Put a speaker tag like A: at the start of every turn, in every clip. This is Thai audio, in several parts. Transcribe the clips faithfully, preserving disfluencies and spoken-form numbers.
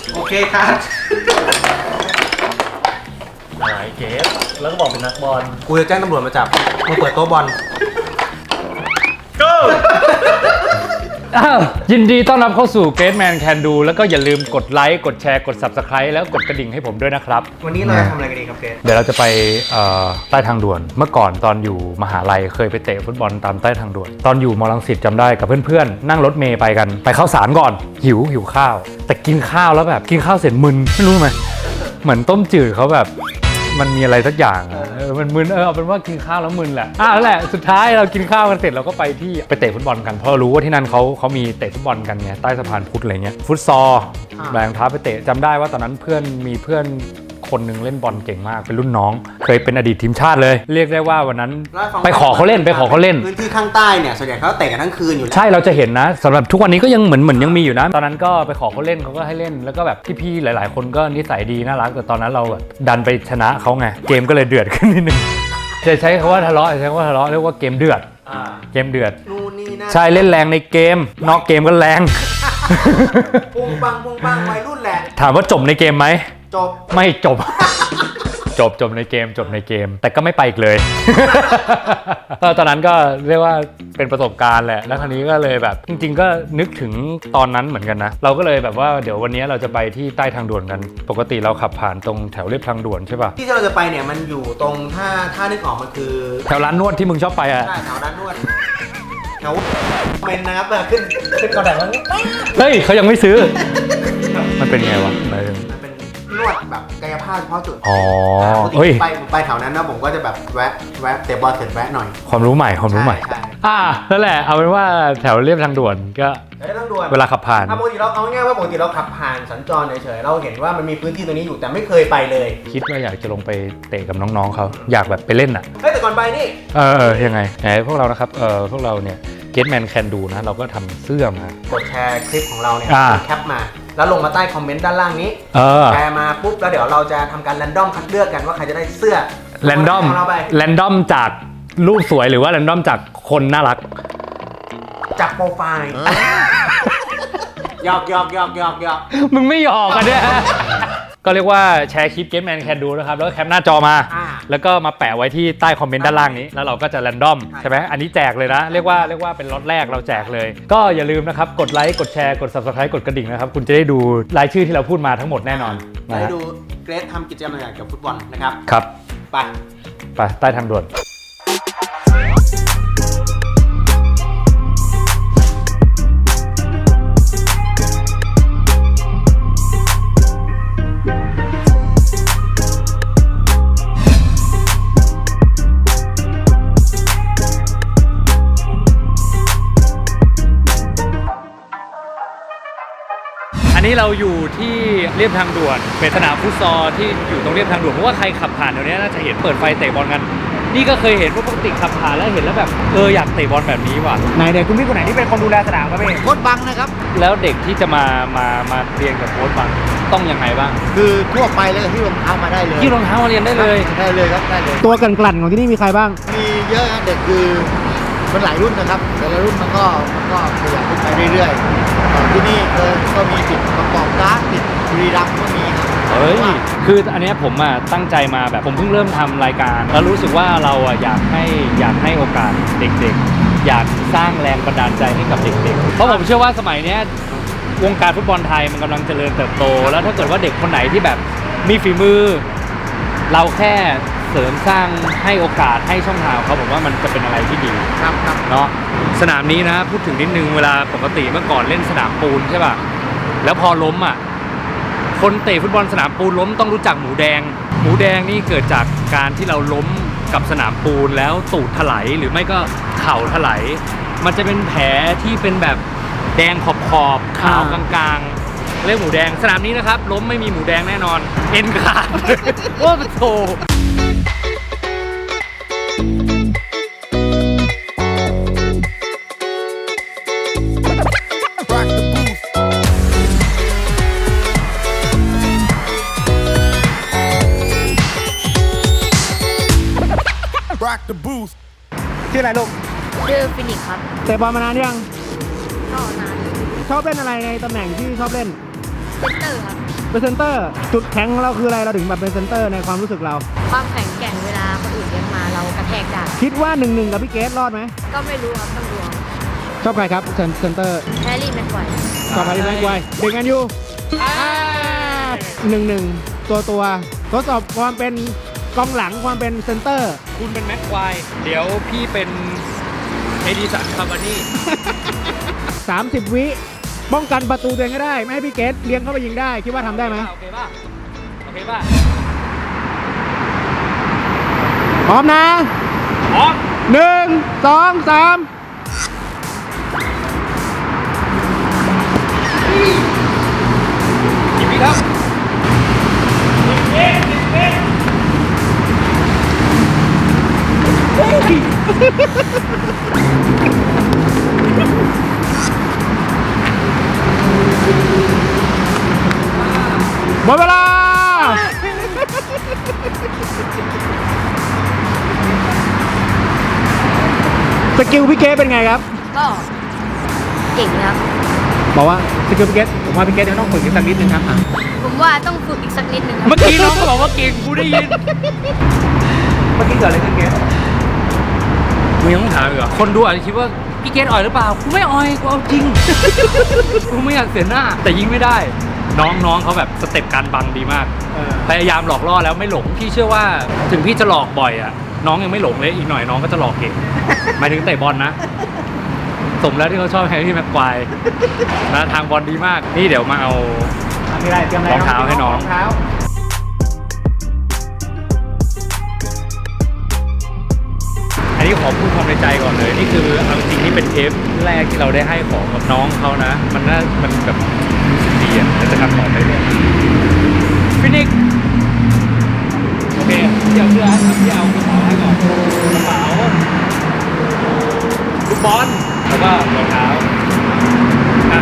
A: โอเคครับ
B: อะไรเกฟแล้วก็บอกเป็นนักบอล
A: กูจะแจ้งตำรวจมาจับมึงเปิดโต๊ะบอล
B: go
C: อ้าวยินดีต้อนรับเข้าสู่ Great Man Can Do แล้วก็อย่าลืมกดไลค์กดแชร์กด Subscribe แล้วกดกระดิ่งให้ผมด้วยนะครับ
A: วันนี้เราจะทำอะไรกันดีครับเกรซ
C: เดี๋ยวเราจะไปใต้ทางด่วนเมื่อก่อนตอนอยู่มหาลัยเคยไปเตะฟุตบอลตามใต้ทางด่วนตอนอยู่มอลังสิตจำได้กับเพื่อนๆนั่งรถเมย์ไปกันไปเข้าสารก่อนหิวหิวข้าวแต่กินข้าวแล้วแบบกินข้าวเสร็จมึนไม่รู้ไหมเหมือนต้มจืดเขาแบบมันมีอะไรสักอย่างเออมันมึนเออเอาเป็นว่ากินข้าวแล้วมึนแหละอ่ะแล้วแหละสุดท้ายเรากินข้าวกันเสร็จเราก็ไปที่ไปเตะฟุตบอลกันเพราะรู้ว่าที่นั่นเขาเขามีเตะฟุตบอลกันไงใต้สะพานพุทธอะไรเงี้ยฟุตซอลแรงท้าไปเตะจำได้ว่าตอนนั้นเพื่อนมีเพื่อนคนหนึ่งเล่นบอลเก่งมากเป็นรุ่นน้องเคยเป็นอดีตทีมชาติเลยเรียกได้ว่าวันนั้นไปขอเขาเล่นไปขอเขาเล่น
A: พื้นที่ข้างใต้เนี่ยส่วนใหญ่เขาเตะกันทั้งคืนอยู่แล้ว
C: ใช่เราจะเห็นนะสำหรับทุกวันนี้ก็ยังเหมือนเหมือนยังมีอยู่นะตอนนั้นก็ไปขอเขาเล่นเขาก็ให้เล่นแล้วก็แบบพี่ๆหลายๆคนก็นิสัยดีน่ารักแต่ตอนนั้นเราแบบดันไปชนะเขาไงเกมก็เลยเดือดขึ้นนิดนึงจะใช้คำว่าทะเลาะใช้คำว่าทะเลาะเรียกว่าเกมเดือดเกมเดือดใช่เล่นแรงในเกมนอกเกมก็แรง
A: ปุ้งปังปุ้งปังวัยรุ่นแหละ
C: ถามว่าจบในเกมไหม
A: จบ
C: ไม่จบจบจบในเกมจบในเกมแต่ก็ไม่ไปอีกเลย ตอนนั้นก็เรียกว่าเป็นประสบการณ์แหละแล้วคราวนี้ก็เลยแบบจริงๆก็นึกถึงตอนนั้นเหมือนกันนะเราก็เลยแบบว่าเดี๋ยววันนี้เราจะไปที่ใต้ทางด่วนกันปกติเราขับผ่านตรงแถวเรียบทางด่วนใช่ป่ะ
A: ที่เราจะไปเนี่ยมันอยู่ตรงถ้าถ้านึกออกมันคือ
C: แถวร้านนวดที่มึงชอบไปอ่ะ
A: ใช่แถวร้านนวดแถวเป็นนะครับขึ้นขึ้นก่อนแต่ว่า
C: เฮ้ยเขายังไม่ซื้อมันเป็นไงวะมัน
A: เป็นนวดแบบกายภาพเฉพาะจุด
C: อ๋อ
A: เฮ้ยไปไปแถวนั้นนะผมก็จะแบบแวะแวะเตะบอลเสร็จแวะหน่อย
C: ความรู้ใหม่ความรู้ใหม่อ่านั่นแหละเอาเป็นว่าแถวเรียบทางด่วนก็เวลาขับผ่าน
A: ปกติเราเอาง่ายว่าปกติเราขับผ่านสัญจรเฉยๆเราเห็นว่ามันมีพื้นที่ตรงนี้อยู่แต่ไม่เคยไปเลย
C: คิดว่าอยากจะลงไปเตะกับน้องๆเขาอยากแบบไปเล่นอ่ะ
A: เฮ้ยแต่ก่อนไปนี่
C: เออยังไงไหนพวกเรานะครับเออพวกเราเนี่ย Great Man Can Do นะเราก็ทำเสื้อมาก
A: ดแชร์คลิปของเราเนี่ยแคปมาแล้วลงมาใต้คอมเมนต์ด้านล่างนี้แชร์มาปุ๊บแล้วเดี๋ยวเราจะทำการแรนดอมคัดเลือกกันว่าใครจะได้เสื้อ
C: แรนดอมแรนดอมจากรูปสวยหรือว่าแรนดอมจากคนน่ารัก
A: จากโปรไฟล์หยอกหยอกหยอกหยอกหยอก
C: มึงไม่หยอกกันเนี่ยก็เรียกว่าแชร์คลิป Great Man Can Do นะครับแล้วก็แคปหน้าจอมาแล้วก็มาแปะไว้ที่ใต้คอมเมนต์ด้านล่างนี้แล้วเราก็จะแรนดอมใช่ไหมอันนี้แจกเลยนะเรียกว่าเรียกว่าเป็นล็อตแรกเราแจกเลยก็อย่าลืมนะครับกดไลค์กดแชร์กด Subscribe กดกระดิ่งนะครับคุณจะได้ดูรายชื่อที่เราพูดมาทั้งหมดแน่นอน
A: ได้ดูเกรซทำกิจกรรมอะไรเกี่ยวกับฟุตบอลนะครับ
C: ครับ
A: ไป
C: ไปใต้ทางด่วนอันนี้เราอยู่ที่เรียบทางด่วนเป็นสนามฟุตซอลที่อยู่ตรงเรียบทางด่วนเพราะว่าใครขับผ่านตรงนี้น่าจะเห็นเปิดไฟเตะบอลกันนี่ก็เคยเห็นว่าปกติขับผ่านแล้วเห็นแล้วแบบเอออยากเตะบอลแบบนี้ว่ะ
A: ไหนเด็กคุณพี่คนไหนที่เป็นคนดูแลสนามครับพี่โค้ชบังนะครับ
C: แล้วเด็กที่จะมามามาเรียนกับโค้ชบังต้องยังไงบ้าง
D: คือทั่วไปเลยที่รองเท้ามาได้เลย
C: ที่รองเท้ามาเรียนได้เลย
D: ได้เลยครับได้เลย
A: ตัวกลั่นๆของที่นี่มีใครบ้าง
D: มีเยอะนะเด็กคือมันหลายรุ่นนะครับแต่ละรุ่นมันก็มันก็ขยับขึ้นไปเรื่อยๆที่นี่ก็มีติดประกอบการ์ดติดบุรีรัมย์ก็มีครับ
C: เฮ้ยคืออันนี้ผมอ่ะตั้งใจมาแบบผมเพิ่งเริ่มทำรายการแล้วรู้สึกว่าเราอ่ะอยากให้อยากให้โอกาสเด็กๆอยากสร้างแรงบันดาลใจให้กับเด็กๆเพราะผมเชื่อว่าสมัยนี้วงการฟุตบอลไทยมันกำลังเจริญเติบโตแล้วถ้าเกิดว่าเด็กคนไหนที่แบบมีฝีมือเราแค่เสริมสร้างให้โอกาสให้ช่องทางเขาผมว่ามันจะเป็นอะไรที่ดี
A: ครับครับ
C: เนาะสนามนี้นะพูดถึงนิดนึงเวลาปกติเมื่อก่อนเล่นสนามปูนใช่ป่ะแล้วพอล้มอ่ะคนเตะฟุตบอลสนามปูนล้มต้องรู้จักหมูแดงหมูแดงนี่เกิดจากการที่เราล้มกับสนามปูนแล้วตูดถลายหรือไม่ก็เข่าถลายมันจะเป็นแผลที่เป็นแบบแดงขอบขอบขาวกลางๆเรียกหมูแดงสนามนี้นะครับล้มไม่มีหมูแดงแน่นอนเอ็นขาดว่ามันโต
A: ชื่ออะไรลูก
E: ชื่อฟินิกครับ
A: เตะบอลมานานยัง
E: ก็นาน
A: ชอบเล่นอะไรในตำแหน่งที่ชอบเล่น
E: เซนเตอร์ครับเป็นเซนเตอร์จุดแข็งของเราคืออะไรเราถึงแบบเป็นเซนเตอร์ในความรู้สึกเรา
F: ความแข็งแกร่งเวลาคนอื่นเลี้ยงมาเรากระแทกได้
E: คิดว่าหนึ่งหนึ่งกับพี่เกสรอดไหม
F: ก็ไม่รู้ครับต้องดูเอา
E: ชอบใครครับเซนเซนเตอร์
F: แฮร์รี่แม็กไกวร์
E: ชอบใครที่แม็กไวเด็กกันอยู่หนึ่งหนึ่งตัวตัวทดสอบความเป็นกองหลังความเป็นเซนเตอร์
C: คุณเป็นแม็กควายเดี๋ยวพี่เป็นเอดิสันคาร์บานี่
E: สามสิบวิป้องกันประตูตัวเองก็ได้ ไม่ให้พี่เกสเลี้ยงเข้าไปยิงได้ คิดว่าทำได้ไหม
C: โอเคป่ะ โอเคป่ะ
E: พร้อมนะ
C: พร้อม
E: หนึ่งสองสาม
C: กี่วิครับ
E: หมดเวลา สกิลพี่เกสเป็นไงครับ
F: ก็เก่งนะครับ
E: บอกว่าสกิลพี่เกสผมว่าพี่เกสยังต้องฝึกอีกสักนิดนึงครับอ่ะ
F: ผมว่าต้องฝึกอีกสักนิดนึงครับ
C: เมื่อกี้น้องก็บอกว่าเก่งกูได้ยิน
E: เมื่อกี้เกิดอะไรขึ้นเกส
C: มึงยังต้องถามอีกเหรอคนดูอาจจะคิดว่าพี่เกณฑ์อ่อยหรือเปล่า กูไม่อ่อย กูเอาจริง กูไม่อยากเสียหน้า แต่ยิงไม่ได้ น้องน้องเขาแบบสเต็ปการบังดีมาก พยายามหลอกล่อแล้วไม่หลง พี่เชื่อว่าถึงพี่จะหลอกบ่อยอ่ะ น้องยังไม่หลงเลย อีกหน่อยน้องก็จะหลอกเก่ง หมายถึงเตะบอลนะ สมแล้วที่เขาชอบแฮร์รี่แม็กควายนะทางบอลดีมาก นี่เดี๋ยวมาเอา
E: มีอะไรเตรียมอะไร
C: รองเท้าให้น้อง
E: รองเท้า
C: อันนี้ขอพูดความในใจก่อนเลย นี่คือเอาจริงๆนี่เป็นเทปแรกที่เราได้ให้ของกับน้องเขานะ มันน่ามันแบบรู้สึกดีอ่ะแล้วจะทำต่อไปเลยฟินิกโอเคเดี๋ยวเพื่อที่เอากระเป๋าให้ก่อนกระเป๋าลูกบอลแล้วก็รองเท้าอ่ะ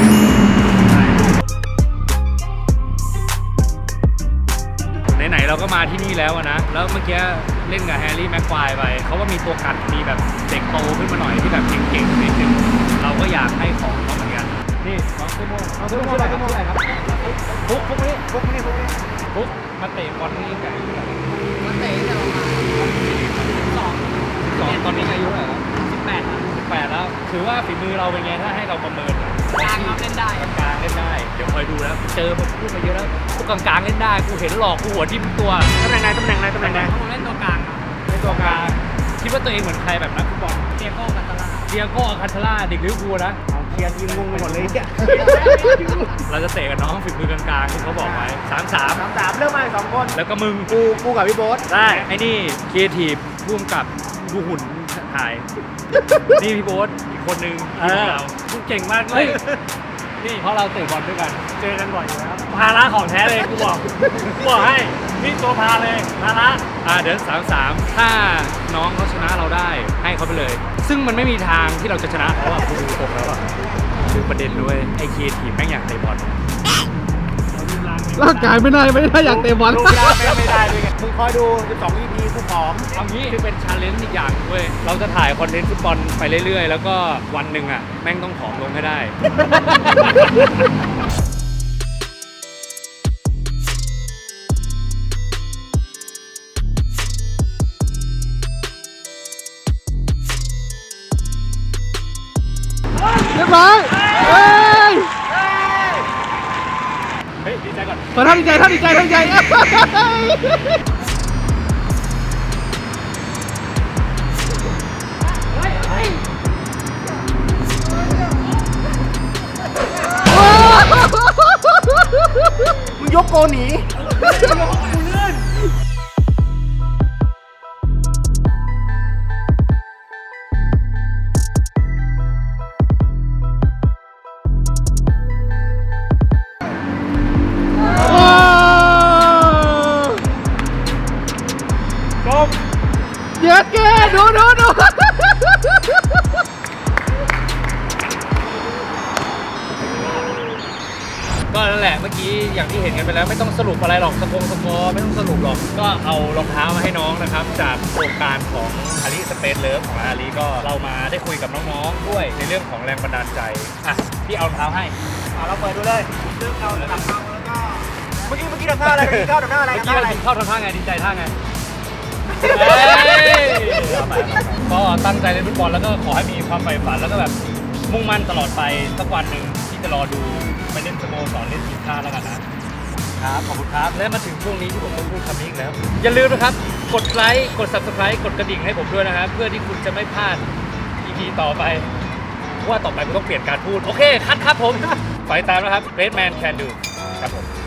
C: ไหนๆเราก็มาที่นี่แล้วอะนะ แล้วเมื่อกี้เล่นกับแฮร์รี่แม็กควายไปเขาว่ามีตัวกัดมีแบบเด็กโตขึ้นมาหน่อยที่แบบเก่งๆนิดนึงเราก็อยากให้ของเขาเหมือนกัน นี่น้องเซโมน้องเซโมชื่ออะไรครับฟุกฟุกนี่ฟุกนี่ฟุกนี่ฟุกมาเตะบอลนี่ไงอายุเท่าไหร่
F: มาเตะแต่ประมาณสอง
C: สองตอนนี้อายุเท่าไหร่แล้วสิบแปดสิบแปดแล้วถือว่าฝีมือเราเป็นไงถ้าให้เราประเมิน
F: กลางครับเล่นได้
C: กลางๆเล่นได้เดี๋ยวคอยดูนะเจอผมพูดมาเยอะแล้วพวกกลางๆเล่นได้กูเห็นหลอกกูหัวทิ่มตัว
E: ตำแหน่งไหนตำแหน่งไหนตำแหน่งไหน
F: ผมเล่นตัวกลางครับ
C: ในตัวกลางคิดว่าตัวเองเหมือนใครแบบนักฟุตบอล
F: เดียโก้กันตลาด
C: เดียโก้อัลคันทาร่าเด็กลิเวอร์พูลนะ
E: เอาเคลียร์ทีมงงไปหมดเลยเนี่ย
C: เราจะเตะกับน้องฝีมือกลางๆที่เขาบอกไว้สามสาม
E: สามสามเริ่มมาสองคน
C: แล้วก็มึง
E: กูกูกับพี่โบ๊ท
C: ได้ไอ้นี่ครีเอทีฟร่วมกับดูหุ่นถ่าย นี่พี่โบ๊ทอีกคนนึงทีมเรากูเก่งมากเลยนี่เพราะเราเตะบอลด้วยกัน
B: เจอกันบ่อยอยู่แล้วภาระของแท้เลยกูบอกกูบอกให้นี่ตัวพาเลยภาระ
C: อ่าเดี๋ยวสามสามถ้าน้องเขาชนะเราได้ให้เขาไปเลย ซึ่งมันไม่มีทางที่เราจะชนะเขาอะกูดูตรงแล้วอะคือประเด็นด้วยไอ้ครีเอทีฟแม่งอยากเตะบอล
E: ร่างกายไม่ได้ไม่ได้อยากเตะบอล
B: รูปร่างไม่ไม่ได้ด้วยไง
E: มึงคอยดูสิบสอง อี พี กูผอม
C: เอางี้คือเป็นชาเลนจ์อีกอย่างเว้ยเราจะถ่ายคอนเทนต์ฟุตบอลไปเรื่อยๆ แล้วก็วันหนึ่งอะแม่งต้องผอมลงให้ได้
E: เรียบร้อยเฮ้ย
C: เฮ้ยดีใจก่อน
E: ขอท่านดีใจท่านดีใจท่านดีใจมึงยกโกหนี
C: จบ
E: เย็ดแกดูดูดู
C: ก็นั่นแหละเมื่อกี้อย่างที่เห็นกันไปแล้วไม่ต้องสรุปอะไรหรอกสกงสกอร์ไม่ต้องสรุปหรอกก็เอารองเท้ามาให้น้องนะครับ จากโครงการของอาลีสเปซเลิฟของอาลีก็เรามาได้คุยกับน้องๆด้วยในเรื่องของแรงบันดาลใจอ่ะพี่เอารองเท้าให้
E: เราเปิดดูเลยซึ่งเราจะทำเอาแล้วก็
A: ท่าอะไรกินข้าวทำท่าอะไร
B: เมื่อกี้
A: ท่า
B: เรา
A: อะไร
B: กินข้าวทำท่าไงดีใจท่าไงเฮ้ยก็ตั้งใจเล่นฟุตบอลแล้วก็ขอให้มีความใฝ่ฝันแล้วก็แบบมุ่งมั่นตลอดไปสักวันหนึ่งที่จะรอดูไปเล่นสโมสรเล่นทีมชาติแล้วกันนะครับขอบคุณครับและมาถึงช่วงนี้ที่ผมต้องพูดคำนี้อีกแล้วอย่าลืมนะครับกดไลค์กด ซับสไครบ์ กดกระดิ่งให้ผมด้วยนะครับเพื่อที่คุณจะไม่พลาด อี พี ต่อไปเพราะว่าต่อไปกูต้องเปลี่ยนการพูดโอเคคัดครับผมไปตามนะครับ Red Man Can Do ครับผม